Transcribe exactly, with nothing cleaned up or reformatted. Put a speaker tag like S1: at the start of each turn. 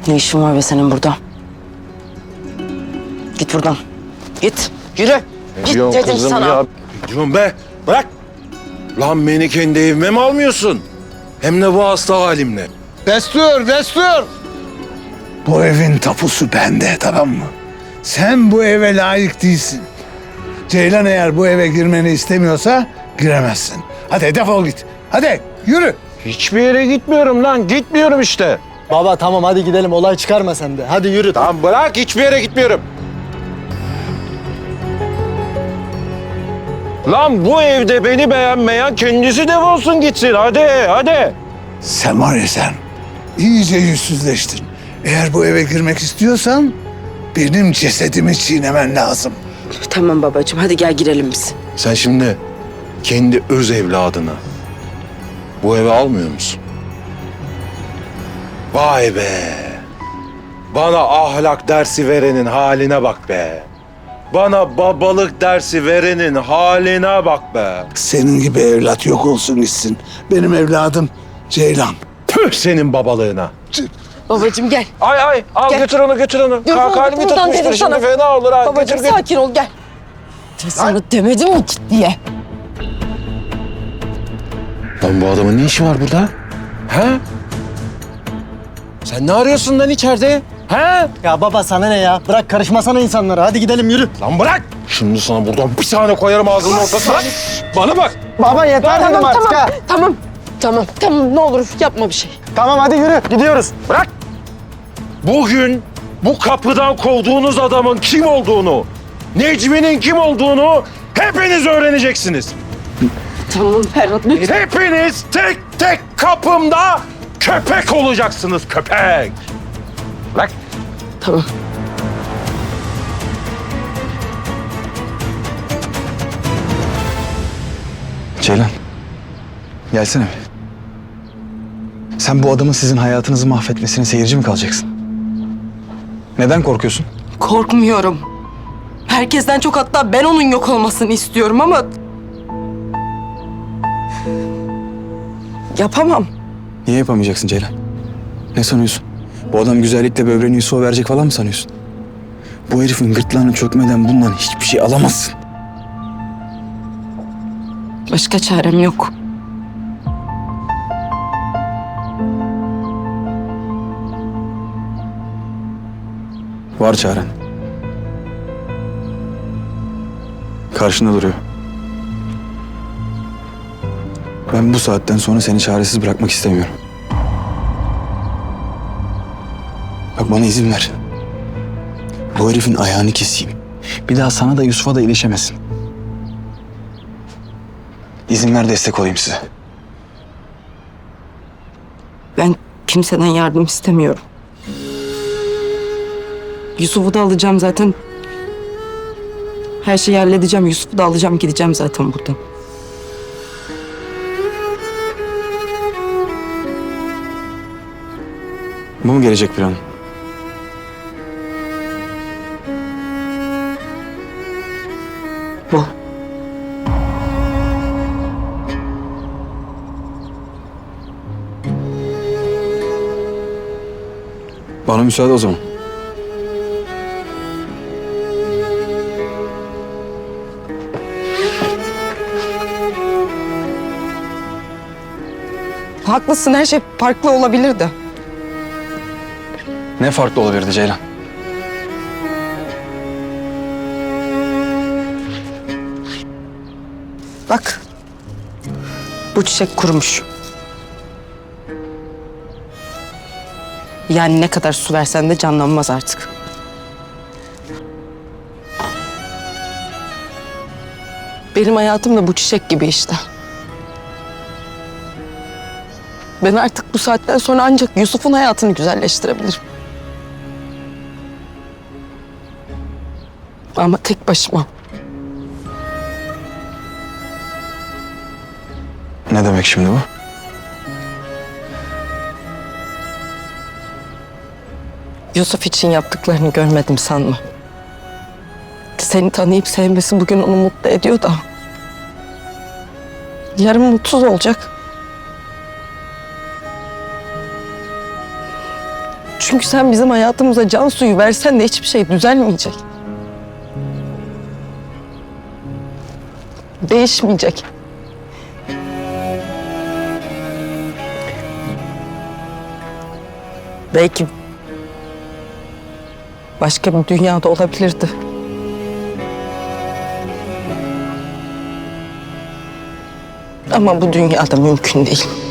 S1: Ne işin var be senin burada? Git buradan. Git. Yürü. Git
S2: Diyorum
S1: dedim
S2: kızım
S1: sana.
S2: ya. Diyorum be. Bırak. Lan beni kendi evime mi almıyorsun? Hem de bu hasta halimle.
S3: Destur, destur. Bu evin tapusu bende, tamam mı? Sen bu eve layık değilsin. Ceylan eğer bu eve girmeni istemiyorsa giremezsin. Hadi defol git. Hadi yürü.
S2: Hiçbir yere gitmiyorum lan. Gitmiyorum işte.
S4: Baba tamam hadi gidelim, olay çıkarma sen de. Hadi yürü.
S2: Tamam bırak, hiçbir yere gitmiyorum. Lan bu evde beni beğenmeyen kendisi defolsun gitsin. Hadi, hadi.
S3: Sen var ya sen, iyice yüzsüzleştin. Eğer bu eve girmek istiyorsan benim cesedimi çiğnemen lazım.
S1: Tamam babacığım, hadi gel girelim biz.
S2: Sen şimdi kendi öz evladını bu eve almıyor musun? Vay be. Bana ahlak dersi verenin haline bak be. Bana babalık dersi verenin haline bak be.
S3: Senin gibi evlat yok olsun gitsin. Benim evladım Ceylan.
S2: Tüh senin babalığına.
S1: Babacığım gel.
S2: Ay ay al
S1: Gel.
S2: götür onu götür onu.
S1: Dur,
S2: Kalk halimi
S1: buradan
S2: tutmuştur
S1: dedim
S2: şimdi
S1: sana.
S2: fena olur ha.
S1: Babacığım
S2: Götür, götür.
S1: sakin ol gel. Ben sana demedim mi git diye?
S2: Lan bu adamın ne işi var burada? He? Sen ne arıyorsun lan içeride? He?
S4: Ya baba sana ne ya? Bırak karışmasana insanlara. Hadi gidelim yürü.
S2: Lan bırak! Şimdi sana buradan bir tane koyarım ağzının ortasına. Bana bak!
S4: Baba yeter dedim
S1: Tamam
S4: artık
S1: tamam
S4: ha.
S1: tamam. Tamam tamam ne olur yapma bir şey.
S4: Tamam hadi yürü. Gidiyoruz.
S2: Bırak! Bugün bu kapıdan kovduğunuz adamın kim olduğunu, Necmi'nin kim olduğunu hepiniz öğreneceksiniz.
S1: Tamam Ferhat lütfen.
S2: Hepiniz tek tek kapımda köpek olacaksınız, köpek. Bırak!
S1: Tamam.
S5: Ceylan, gelsene bir. Sen bu adamın sizin hayatınızı mahvetmesine seyirci mi kalacaksın? Neden korkuyorsun?
S1: Korkmuyorum. Herkesten çok, hatta ben onun yok olmasını istiyorum ama... Yapamam.
S5: Niye yapamayacaksın Ceylan? Ne sanıyorsun? Bu adam güzellikle böbreğini Yusuf'a verecek falan mı sanıyorsun? Bu herifin gırtlağını çökmeden bundan hiçbir şey alamazsın.
S1: Başka çarem yok.
S5: Var çaren. Karşında duruyor. Ben bu saatten sonra seni çaresiz bırakmak istemiyorum. Bak bana izin ver. Bu herifin ayağını keseyim. Bir daha sana da Yusuf'a da ilişemesin. İzin ver, destek olayım size.
S1: Ben kimseden yardım istemiyorum. Yusuf'u da alacağım zaten. Her şeyi halledeceğim. Yusuf'u da alacağım, gideceğim zaten buradan.
S5: Bu mu gelecek plan?
S1: Bu.
S5: Bana müsaade o zaman.
S1: Haklısın, her şey farklı olabilirdi.
S5: Ne farklı olabilirdi Ceylan?
S1: Bak. Bu çiçek kurumuş. Yani ne kadar su versen de canlanmaz artık. Benim hayatım da bu çiçek gibi işte. Ben artık bu saatten sonra ancak Yusuf'un hayatını güzelleştirebilirim. Ama tek başıma.
S5: Ne demek şimdi bu?
S1: Yusuf için yaptıklarını görmedim sanma. Seni tanıyıp sevmesi bugün onu mutlu ediyor da... yarın mutsuz olacak. Çünkü sen bizim hayatımıza can suyu versen de hiçbir şey düzelmeyecek. Değişmeyecek. Belki başka bir dünyada olabilirdi. Ama bu dünyada mümkün değil.